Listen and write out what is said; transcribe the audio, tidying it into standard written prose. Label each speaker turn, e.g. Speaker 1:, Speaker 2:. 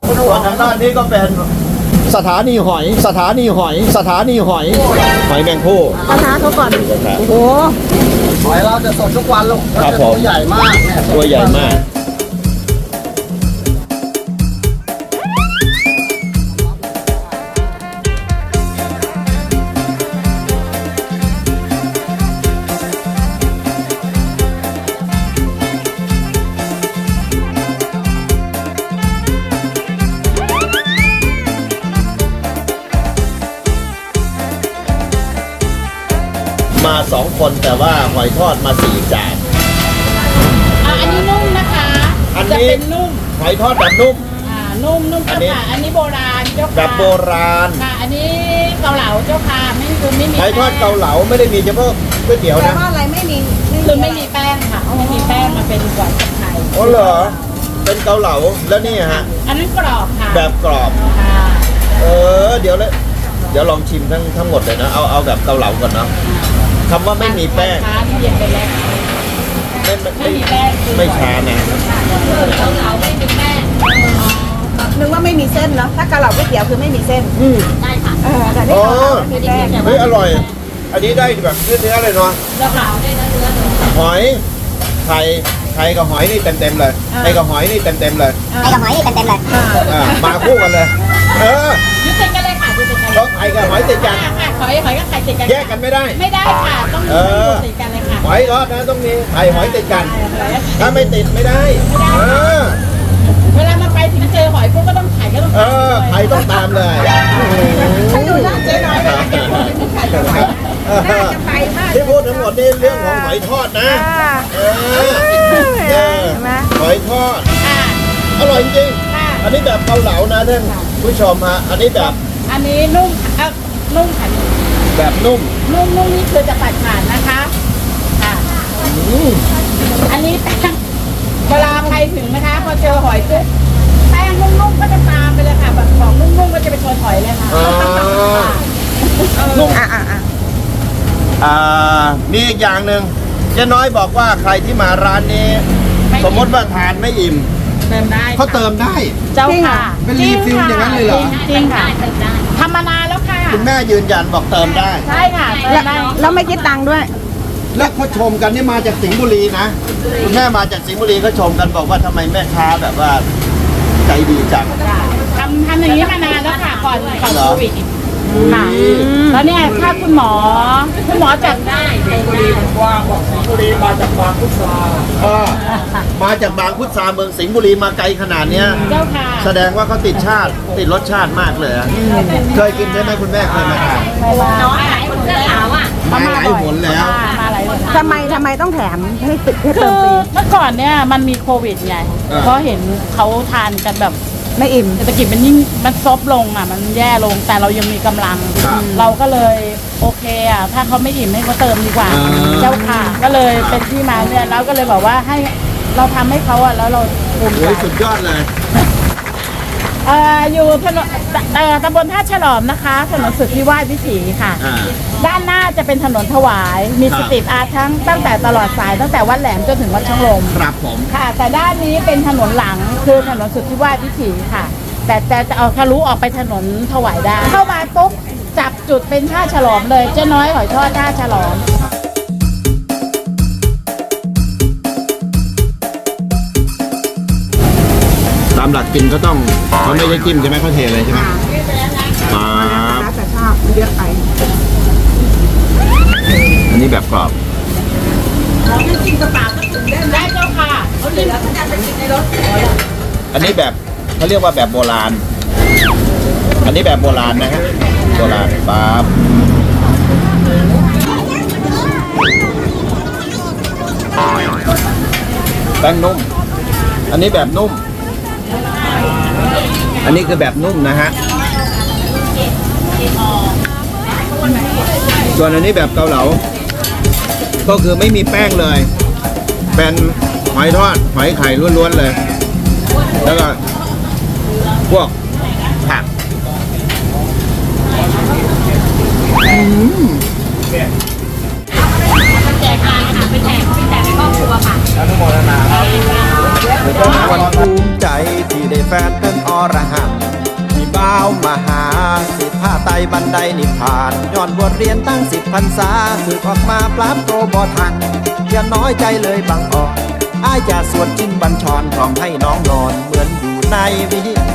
Speaker 1: ส่วนทางด้านนี้ก็เป็นสถานีหอยแมงผู้
Speaker 2: กระทะเขาก่อนโอ้โห
Speaker 3: หอยเราจะสดทุกวันลูก
Speaker 1: ครับผม
Speaker 3: ตัวใหญ่มากเนี่ย
Speaker 1: ตัวใหญ่มากมา2 คนแต่ว่าหอยทอดมา4 จาน
Speaker 2: อันนี้นุ่มนะคะ
Speaker 1: อัน
Speaker 2: จะ
Speaker 1: นี้
Speaker 2: เป็นนุ่ม
Speaker 1: หอยทอดแบบนุ่ม
Speaker 2: นุ่มเจ้าค่ะอันนี้โบราณเจ้าค่ะ
Speaker 1: แบบโบราณ
Speaker 2: ค่ะอันนี้เกาเหลาเจ้าค่ะไม่มี
Speaker 1: หอยทอดเกาเหลาไม่ได้มีเฉพาะก๋วยเตี๋ยว
Speaker 2: แต่
Speaker 1: นะ
Speaker 2: ว่าอะไรไม่มีคือไม่มีแป้งค่ะไม่มีแป้งมาเป็นกว่าไทย
Speaker 1: อ๋อเหรอเป็นเกาเหลาแล้วนี่ฮะ
Speaker 2: อันนั้นกรอบค่ะ
Speaker 1: แบบกรอบ
Speaker 2: ค่ะ
Speaker 1: เดี๋ยวลองชิมทั้งหมดเลยนะเอาแบบเกาเหลาก่อนเนาะคำว่าไม่มีแป้ง
Speaker 2: ช้าที่เย็นไปแล้วไม่มีแป้งคือ
Speaker 1: ไม่ช้านะ
Speaker 2: เกาเหลาไม่มีแป้ง
Speaker 4: นึกว่าไม่มีเส้นเนาะถ้าเกาเหลาก๋วยเตี๋ยวคือไม่มีเส้น
Speaker 2: ได้ค่ะ
Speaker 4: แต่นี่
Speaker 1: อ๋อ
Speaker 4: เกาเหลาไม่มีแป้ง
Speaker 1: เฮ้ยอร่อย อันนี้ได้แบบเนื้อเลยเนาะ
Speaker 2: เจ้าค่ะได้เนื้อ
Speaker 1: หอยไข่กับหอยนี่เต็มเลยไข่กับหอยนี่เต็มเลย
Speaker 4: ไอ้กับหอยนี่เต็มเลย
Speaker 1: มาคู่กันเลย
Speaker 2: ยึดติดกันเลยค่ะยึดติดกัน
Speaker 1: เพราะไข่กับหอยติดกัน
Speaker 2: ค่ะหอยกับไข่ติดกัน
Speaker 1: แยกกันไม่ได้
Speaker 2: ไม่ได้ค่ะต้องอยู่ติดกันเลยค่ะ
Speaker 1: หอยทอดนะต้องมีไข่หอยติดกัน ถ้าไม่ติดไม่ได้
Speaker 2: เวลามาไปถึงเจอหอยพวกก็ต้องไข่ก็ต้อง
Speaker 1: ไข่ต้องตามเลย
Speaker 4: ฉันดูหน้าเจ๊น้อยเวลาแกพูดถึงไข่กับหอยน่าจะไปมาก
Speaker 1: ที่พูดทั้งหมดนี่เรื่องของหอยทอดนะหอยทอด อร่อยจริง อันนี้แบบเกาเหลานะท่านผู้ชมฮะ อันนี้แบบ
Speaker 2: อันนี้นุ่มนุ่มค่ะ
Speaker 1: แบบนุ่ม
Speaker 2: นุ่มนี่คือจะตัดขาดนะคะค่ะอันนี้แป้งเวลาใครถึงนะคะพอเจอหอยปุ๊บแป้งนุ่มๆก็จะตามไปเลยค่ะแบบของนุ่มๆก็จะไปชนหอยเลยค่ะ
Speaker 1: นุ่มมีอีกอย่างหนึ่งเจ๊น้อยบอกว่าใครที่มาร้านนี้ สมมติว่าทานไม่อิ่ม
Speaker 2: เติมได้
Speaker 1: เขาเติมได้
Speaker 2: เจ้าค่ะ
Speaker 1: เป็นรีฟิลอย่างนั้นเลยเหรอ
Speaker 2: จริงค่ะทำมานานแล้วค่ะ
Speaker 1: คุณแม่ยืนยันบอกเติมได้
Speaker 2: ใช่ค่ะเติมได้
Speaker 4: แล้วไม่คิดตังค์ด้วย
Speaker 1: แล้วเขาชมกันนี่มาจากสิงห์บุรีนะคุณแม่มาจากสิงห์บุรีเขาชมกันบอกว่าทำไมแม่ค้าแบบว่าใจดีจัง
Speaker 2: ทำอย่างนี้มานานแล้วค่ะก่อนโควิดค่ะ
Speaker 1: อืม
Speaker 2: แล้วเนี่ยถ้าคุณหมอจัดได้
Speaker 1: มาจากบางพุทราเมืองสิงห์บุรีมาไกลขนาดเนี้ย
Speaker 2: เจ้าค่ะ
Speaker 1: แสดงว่าเขาติดรสชาติมากเลยอะเคยกินใช่ไหมคุณแม่เคยมาทาน
Speaker 2: น้อยหลายคนเสื้อขาวอ่ะ
Speaker 1: มาหลายหนแล้ว
Speaker 2: มาหลายคน
Speaker 4: ทำไมต้องแถมให้ติดให้
Speaker 2: คื
Speaker 4: เติม
Speaker 2: อ
Speaker 4: ฟรี
Speaker 2: เมื่อก่อนเนี่ยมันมีโควิดไงเพราะเห็นเขาทานกันแบบ
Speaker 4: ไม่อิ่ม
Speaker 2: เศรษฐกิจมันยิ่งมันซบลงอ่ะมันแย่ลงแต่เรายังมีกำลัง
Speaker 1: ครับ
Speaker 2: เราก็เลยโอเคอ่ะถ้าเขาไม่อิ่มให้เขาเติมดีกว่า เจ้าค่ะ ก็เลยเป็นที่มาเนี่ยแล้วก็เลยบอกว่าให้เราทำให้เขาอ่ะแล้วเราภูมิใจ
Speaker 1: โอ้ยสุดยอดเลย
Speaker 2: อยู่ถนนตำบลท่าฉลอมนะคะถนนสุทธิวาทวิถีค่ะ ด้านหน้าจะเป็นถนนถวาย มี
Speaker 1: ครั
Speaker 2: ส
Speaker 1: บ
Speaker 2: ตรีทอาร์ตตั้งแต่ตลอดสายตั้งแต่วัดแหลมจนถึงวัดช่องลม
Speaker 1: ครับผม
Speaker 2: ค่ะ แต่ด้านนี้เป็นถนนหลังคือถนนสุทธิวาทวิถีค่ะ แต่จะเอาทะลุออกไปถนนถวายได้ เข้ามาปุ๊บจับจุดเป็นท่าฉลอมเลยเจ้าน้อยหอยทอดท่าฉลอม
Speaker 1: ตามหลักกินก็ต้องเขาไม่ได้จิ้มใช่ไหมเขาเทเลยใช่ไหมครับ
Speaker 4: แล้วแต่ชอบมันเยอะไป
Speaker 1: อันนี้แบบกรอบ
Speaker 2: ได้เจ้าค่ะเขาเหลือเขาจะไปกินในรถ
Speaker 1: อันนี้แบบเขาเรียกว่าแบบโบราณ อันนี้แบบโบราณนะฮะโบราณปั๊บแป้งนุ่ม อันนี้แบบนุ่ม อันนี้คือแบบนุ่มนะฮะ ส่วนอันนี้แบบเกาเหลา ก็คือไม่มีแป้งเลย เป็นหอยทอด หอยไข่ล้วนๆเลย แล้วก็พวกผัก
Speaker 2: แจกทานค่ะไปแจกครอบครัวค่ะ
Speaker 1: อนุโมทนาครับ
Speaker 5: วันภูมิใจที่ได้แฟนเป็นอรหันต์มีบ่าวมาหาสิผ้าไตบันไดนิพพานย้อนบวชเรียนตั้ง10 พรรษาสึกออกมาปราบโตบ่ทันอย่าน้อยใจเลยบางอ่อนอ้ายจะสวดชินบัญชรพร้อมให้น้องนอนเหมือนอยู่ในวิ